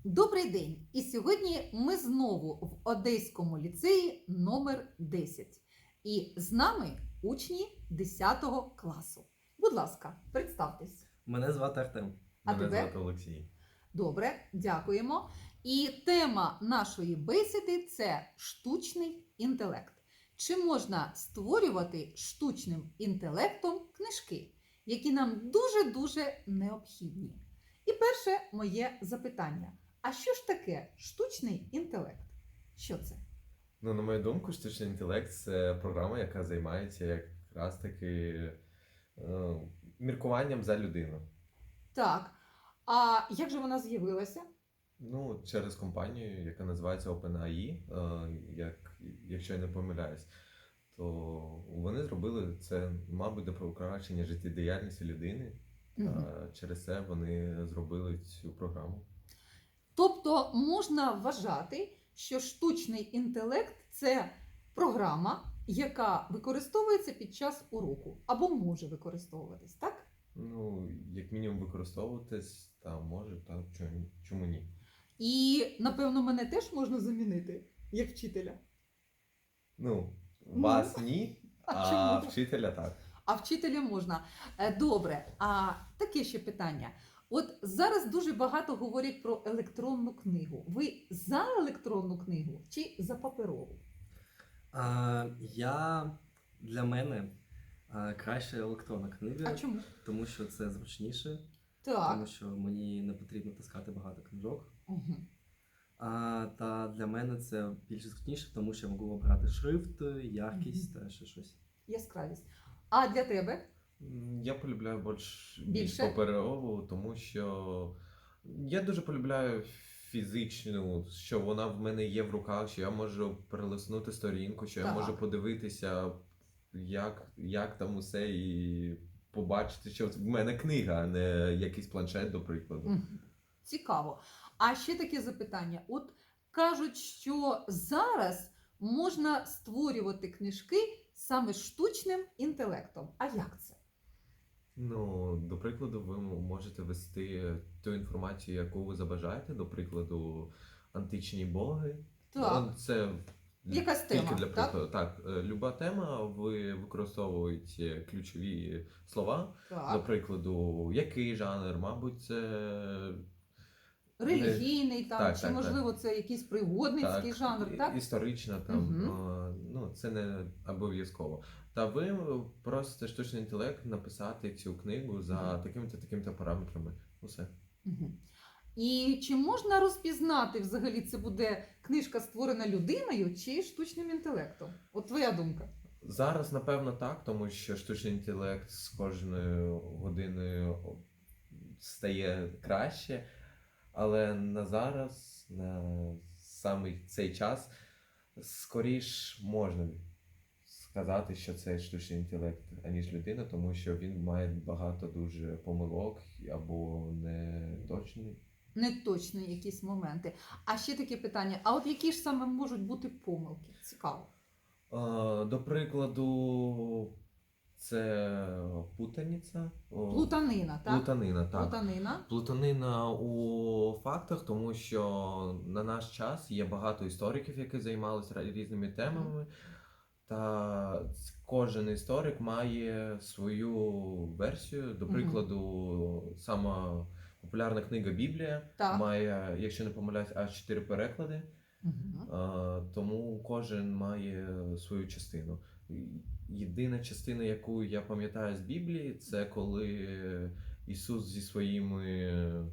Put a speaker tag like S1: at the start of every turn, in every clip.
S1: Добрий день! І сьогодні ми знову в Одеському ліцеї номер 10. І з нами учні 10 класу. Будь ласка, представтесь.
S2: Мене звати Артем.
S1: А
S3: Мене
S1: тебе?
S3: звати Олексій.
S1: Добре, дякуємо. І тема нашої бесіди – це штучний інтелект. Чи можна створювати штучним інтелектом книжки, які нам дуже-дуже необхідні? І перше моє запитання. А що ж таке штучний інтелект? Що це?
S3: Ну, на мою думку, штучний інтелект це програма, яка займається якраз таки міркуванням за людину.
S1: Так, а як же вона з'явилася?
S3: Ну, через компанію, яка називається OpenAI, якщо я не помиляюсь, то вони зробили це, мабуть, до покращення життєдіяльності людини. Через це вони зробили цю програму.
S1: Тобто можна вважати, що штучний інтелект – це програма, яка використовується під час уроку або може використовуватись, так?
S3: Ну, як мінімум використовуватись, та може, та чому ні?
S1: І, напевно, мене теж можна замінити, як вчителя.
S3: Ну, вас ні, а
S1: чому?
S3: вчителя так.
S1: А вчителя можна. Добре, а таке ще питання. От зараз дуже багато говорять про електронну книгу. Ви за електронну книгу чи за паперову?
S2: Для мене краще електронна книга,
S1: А чому?
S2: тому що це зручніше,
S1: Так.
S2: тому що мені не потрібно таскати багато книжок.
S1: Угу.
S2: Та для мене це більш зручніше, тому що я можу обрати шрифт, яркість та ще щось.
S1: Яскравість. А для тебе?
S3: Я полюбляю більш
S1: Більше?
S3: паперову, тому що я дуже полюбляю фізичну, що вона в мене є в руках, що я можу перелиснути сторінку, що я
S1: Так.
S3: можу подивитися, як там усе, і побачити, що в мене книга, а не якийсь планшет, до прикладу.
S1: Мгм. Цікаво. А ще таке запитання. От кажуть, що зараз можна створювати книжки саме штучним інтелектом. А як це?
S3: Ну, до прикладу, ви можете ввести ту інформацію, яку ви забажаєте, до прикладу, античні боги.
S1: Так.
S3: Ну, це
S1: Якась
S3: тільки
S1: тема,
S3: для
S1: так?
S3: прикладу. Так, люба тема, ви використовуєте ключові слова. До
S1: Так.
S3: прикладу, який жанр, мабуть, це
S1: Релігійний там,
S3: Так,
S1: чи
S3: так,
S1: можливо це якийсь пригодницький жанр, так?
S3: історична там,
S1: Мгм.
S3: ну, це не обов'язково. Та ви просите штучний інтелект написати цю книгу за такими-то параметрами. Усе.
S1: Мгм. І чи можна розпізнати взагалі, це буде книжка створена людиною чи штучним інтелектом? От твоя думка.
S3: Зараз, напевно, так, тому що штучний інтелект з кожною годиною стає краще, але на зараз, на саме цей час, скоріш можна сказати, що це штучний інтелект, аніж людина, тому що він має багато дуже помилок або неточний.
S1: Неточні якісь моменти. А ще таке питання: а от які ж саме можуть бути помилки? Цікаво.
S3: До прикладу, це путаниця.
S1: Плутанина, так?
S3: Плутанина, так.
S1: Плутанина.
S3: Плутанина у фактах, тому що на наш час є багато істориків, які займалися різними темами, та кожен історик має свою версію. До прикладу, сама популярна книга Біблія
S1: Так.
S3: має, якщо не помиляюсь, аж 4 переклади.
S1: Угу.
S3: Тому кожен має свою частину. Єдина частина, яку я пам'ятаю з Біблії, це коли Ісус зі своїми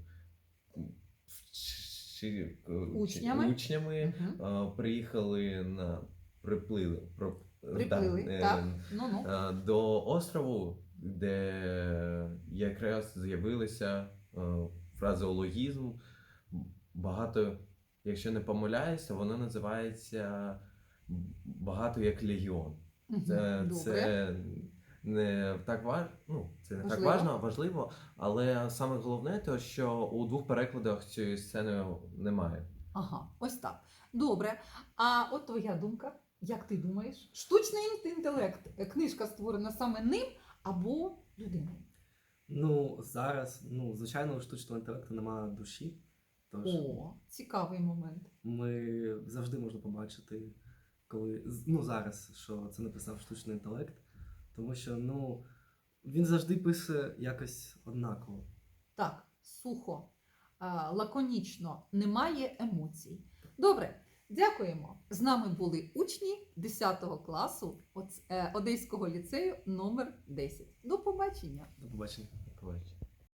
S3: учнями приїхали приплили
S1: так. Ну-ну.
S3: до острову, де якраз з'явилися фразеологізм, багато. Якщо не помиляюся, воно називається багато як легіон. Це не так важливо, але саме головне те, що у 2 перекладах цієї сцени немає.
S1: Ага, ось так. Добре. А от твоя думка, як ти думаєш? Штучний інтелект, книжка створена саме ним або людиною?
S2: Ну, зараз, звичайно, у штучного інтелекту немає душі, Тож
S1: О, цікавий момент.
S2: ми завжди можна побачити, коли зараз, що це написав штучний інтелект, тому що він завжди пише якось однаково.
S1: Так, сухо, лаконічно, немає емоцій. Добре, дякуємо. З нами були учні 10 класу Одеського ліцею номер 10. До побачення!
S2: До побачення.
S3: Побачення.